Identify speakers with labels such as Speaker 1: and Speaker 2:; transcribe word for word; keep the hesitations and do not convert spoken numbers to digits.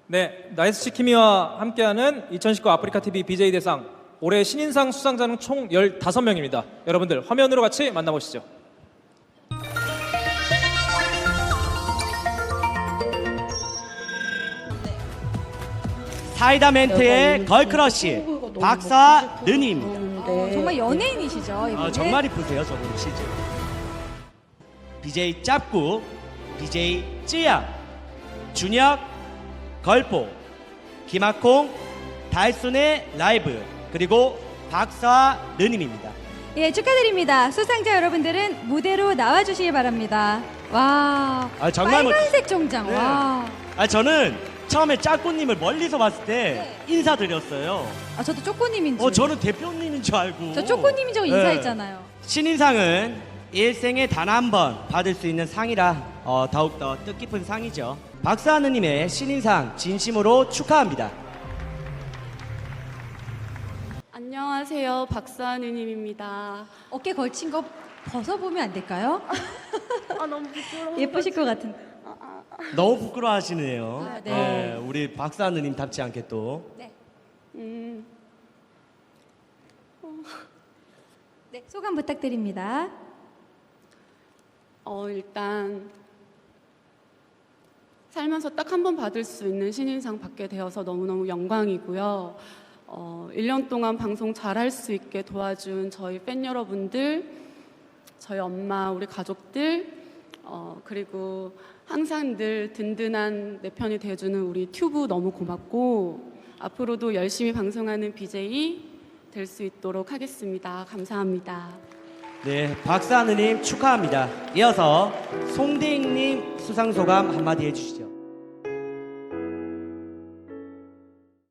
Speaker 1: 네, 나이스 치키미와 함께하는 이천십구 아프리카티비 비제이 대상 올해 신인상 수상자는 총 열다섯 명입니다. 여러분들 화면으로 같이 만나보시죠.
Speaker 2: 사이다 멘트의 걸크러쉬 박사느님입니다.
Speaker 3: 어, 정말 연예인이시죠, 이분.
Speaker 2: 어, 정말 이쁘세요, 저분 시즌. 비제이 짭구, 비제이 쯔양, 준혁, 걸포, 김학콩, 달순의 라이브, 그리고 박사느님입니다.
Speaker 3: 예, 축하드립니다. 수상자 여러분들은 무대로 나와주시기 바랍니다. 와,
Speaker 2: 아, 정말 멋-
Speaker 3: 빨간색 정장.
Speaker 2: 네.
Speaker 3: 와,
Speaker 2: 아, 저는 처음에 짭구님을 멀리서 봤을 때 인사드렸어요.
Speaker 3: 아, 저도 쪼꼬님인 줄.
Speaker 2: 어, 저는 대표님인 줄 알고.
Speaker 3: 저 쪼꼬님이 저
Speaker 2: 네.
Speaker 3: 인사했잖아요.
Speaker 2: 신인상은 일생에 단 한 번 받을 수 있는 상이라 어, 더욱더 뜻깊은 상이죠. 박사하느님의 신인상 진심으로 축하합니다.
Speaker 4: 안녕하세요. 박사느님입니다.
Speaker 3: 어깨 걸친 거 벗어보면 안 될까요?
Speaker 4: 아 너무 부끄러워.
Speaker 3: 예쁘실 것 같은.
Speaker 2: 너무 부끄러워하시네요.
Speaker 3: 아, 네.
Speaker 2: 네, 우리 박사하느님답지 않게 또.
Speaker 3: 네.
Speaker 4: 음,
Speaker 3: 네, 소감 부탁드립니다.
Speaker 4: 어 일단 살면서 딱 한 번 받을 수 있는 신인상 받게 되어서 너무너무 영광이고요. 어, 일 년 동안 방송 잘할 수 있게 도와준 저희 팬 여러분들, 저희 엄마, 우리 가족들, 어, 그리고 항상 늘 든든한 내 편이 돼주는 우리 튜브 너무 고맙고 앞으로도 열심히 방송하는 비제이 될 수 있도록 하겠습니다. 감사합니다.
Speaker 2: 네, 박사하느님 축하합니다. 이어서 송대익님 수상 소감 한마디 해주시죠.